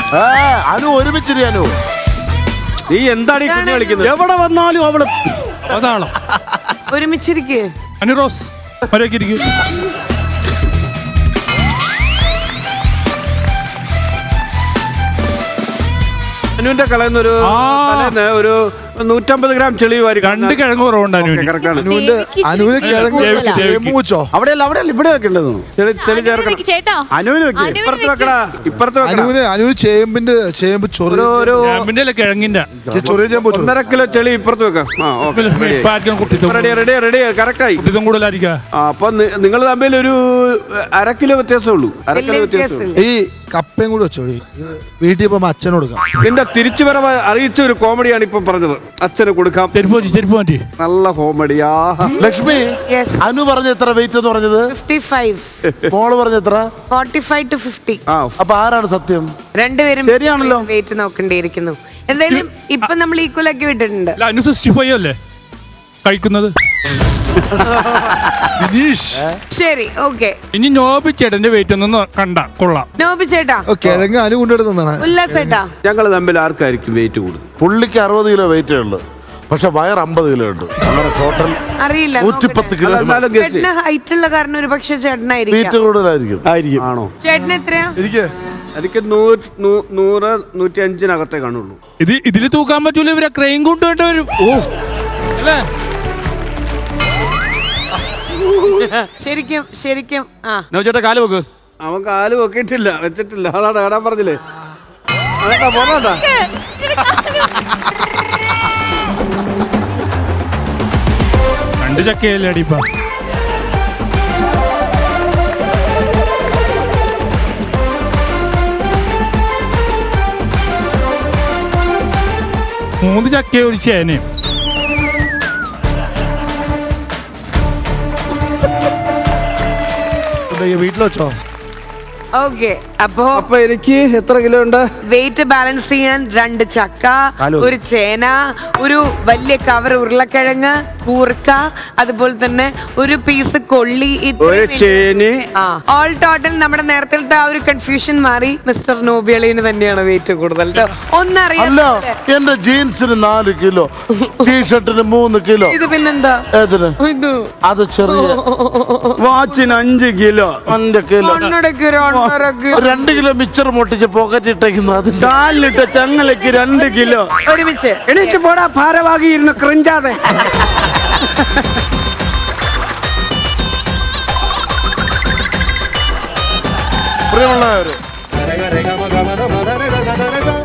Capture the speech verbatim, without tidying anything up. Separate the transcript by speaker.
Speaker 1: അനു ഒരുമിച്ചിരി അനു.
Speaker 2: നീ എന്താണ് ഈ കുഞ്ഞു കളിക്കുന്നത്? എവിടെ വന്നാലും അവള്
Speaker 3: അതാണ്
Speaker 4: ഒരുമിച്ചിരിക്കേ.
Speaker 3: അനുറോസ് ഇരിക്കും.
Speaker 2: അനുവിന്റെ കളയുന്ന ഒരു തലേന്ന് ഒരു നൂറ്റമ്പത് ഗ്രാം ചെളി വാരി.
Speaker 3: രണ്ട് കിഴങ്ങ് കുറവുണ്ട് അനുവിന്.
Speaker 1: അനുവിന്റെ അനുവിന് കിഴങ്ങ് വെച്ചോ?
Speaker 2: അവിടെയല്ല അവിടെയല്ല ഇവിടെ വെക്കേണ്ടത്. ചെളി ചെളി ചേർക്കണം. അനുവിന് വെക്കേ. ഇപ്പുറത്ത് വെക്കടാ. ഇപ്പുറത്ത്
Speaker 1: അനുവിന് അനുവിന് ചേമ്പിന്റെ ചേമ്പ് ചൊറി
Speaker 3: ചേമ്പിന്റെ അല്ല കിഴങ്ങിന്റെ
Speaker 1: ചൊറിയ ചേമ്പ്
Speaker 2: ഒന്നര കിലോ ചെളി ഇപ്പുറത്ത് വെക്കാം. റെഡി റെഡി കറക്റ്റായി.
Speaker 3: കൂടുതലായിരിക്കാം.
Speaker 2: അപ്പൊ നിങ്ങൾ തമ്മിൽ ഒരു അര കിലോ വ്യത്യാസമേ ഉള്ളൂ. അര കിലോ വ്യത്യാസം.
Speaker 1: ഈ കപ്പയും കൂടി വെച്ചോളി. വീട്ടിൽ പോകുമ്പോ അച്ഛന് കൊടുക്കാം.
Speaker 2: നിന്റെ തിരിച്ചു വരവ് അറിയിച്ച ഒരു കോമഡിയാണ് ഇപ്പൊ പറഞ്ഞത്. അച്ഛന് കൊടുക്കാം. നല്ല കോമഡിയാ. ലക്ഷ്മി, അനു പറഞ്ഞ എത്ര വെയിറ്റ് എന്ന് പറഞ്ഞത്? മോള് പറഞ്ഞ എത്ര?
Speaker 4: Forty five to fifty.
Speaker 1: അപ്പൊ ആരാണ് സത്യം?
Speaker 4: രണ്ടുപേരും
Speaker 2: ശരിയാണല്ലോ.
Speaker 4: വെയിറ്റ് നോക്കേണ്ടിയിരിക്കുന്നു. എന്തായാലും ഇപ്പൊ നമ്മൾ ഈക്വൽ ആക്കി വിട്ടിട്ടുണ്ട്.
Speaker 3: അനു സിക്സ്റ്റി ഫൈവ് അല്ലേ കഴിക്കുന്നത്?
Speaker 4: ശരി, ഓക്കെ.
Speaker 3: ഇനി നോബി ചേട്ടന്റെ വെയിറ്റ് ഒന്ന് കണ്ട കൊള്ളാം.
Speaker 4: നോബി ചേട്ടാ
Speaker 1: കിഴങ്ങ് അനു കൊണ്ടെടുത്തതാണ്.
Speaker 4: ഉല്ലാസേട്ടാ
Speaker 2: ഞങ്ങൾ തമ്മിൽ ആർക്കായിരിക്കും വെയിറ്റ് കൂടുതൽ?
Speaker 1: പുള്ളിക്ക് അറുപത് കിലോ വെയിറ്റേ ഉള്ളു, പക്ഷെ വയർ അമ്പത് കിലോ ഉണ്ട്. അങ്ങനെ ടോട്ടൽ
Speaker 4: അറിയില്ല.
Speaker 1: നൂറ്റിപ്പത്ത് കിലോ.
Speaker 4: ചേട്ടന് ഹൈറ്റ് ഉള്ള കാരണം ഒരു പക്ഷെ ചേട്ടനായിരിക്കും
Speaker 1: വെയിറ്റ് കൂടുതലായിരിക്കും.
Speaker 2: ആയിരിക്കും. ആണോ?
Speaker 4: ചേട്ടന് എത്രയാ?
Speaker 1: എനിക്ക്
Speaker 2: എനിക്ക് നൂറ് നൂറ്റി അഞ്ചിനകത്തേ കാണുള്ളൂ.
Speaker 3: ഇത് ഇതില് തൂക്കാൻ പറ്റൂല. ഇവരെ ക്രെയിൻ കൊണ്ടുപോയിട്ട് വരും. ഓ അല്ലേ?
Speaker 4: ശരിക്കും ശരിക്കും ആ
Speaker 3: ചേട്ടാ കാല് വെക്ക്.
Speaker 2: അവൻ കാല് വെക്കിയിട്ടില്ല, വെച്ചിട്ടില്ല. അതാണ് കേടാൻ പറഞ്ഞില്ലേ. അതാ പോണോട്ടാ.
Speaker 3: രണ്ട് ചക്കയല്ലേ അടിപ്പ. മൂന്ന് ചക്കയെ ഒരു ചേനയും.
Speaker 1: വീട്ടിൽ വെച്ചോ?
Speaker 4: ഓക്കെ. അപ്പൊ
Speaker 2: അപ്പൊ എനിക്ക് എത്ര കിലോ ഉണ്ട്?
Speaker 4: വെയിറ്റ് ബാലൻസ് ചെയ്യാൻ രണ്ട് ചക്ക, ഒരു ചേന, ഒരു വലിയ കവർ ഉരുളക്കിഴങ്ങ്, കൂർക്ക, അതുപോലെ തന്നെ ഒരു പീസ് കൊള്ളി, ഓൾ ടോട്ടൽ നമ്മുടെ നേരത്തെ ആ ഒരു കൺഫ്യൂഷൻ മാറി. മിസ്റ്റർ നോബിയളിന് തന്നെയാണ് വെയിറ്റ് കൂടുതൽ. ഒന്നറിയാം,
Speaker 1: എന്റെ ജീൻസിന് നാല് കിലോ, ടീഷർട്ടിന് മൂന്ന് കിലോ.
Speaker 4: ഇത് പിന്നെന്താ? ഇത്
Speaker 1: അത് ചെറിയ
Speaker 2: വാച്ചിന് അഞ്ച് കിലോ.
Speaker 1: അഞ്ച് കിലോ രണ്ട് കിലോ മിച്ചർ പൊട്ടിച്ച് പോക്കറ്റ് ഇട്ടേക്കുന്നു. അതിന്റെ
Speaker 2: കാലിലിട്ട ചങ്ങലയ്ക്ക് രണ്ട് കിലോ.
Speaker 4: ഒരുമിച്ച്
Speaker 2: എണീറ്റ് പോടാ, ഭാരവാഹിയിരുന്നു ക്രിഞ്ചാതെ.
Speaker 1: പ്രിയമുള്ളവര്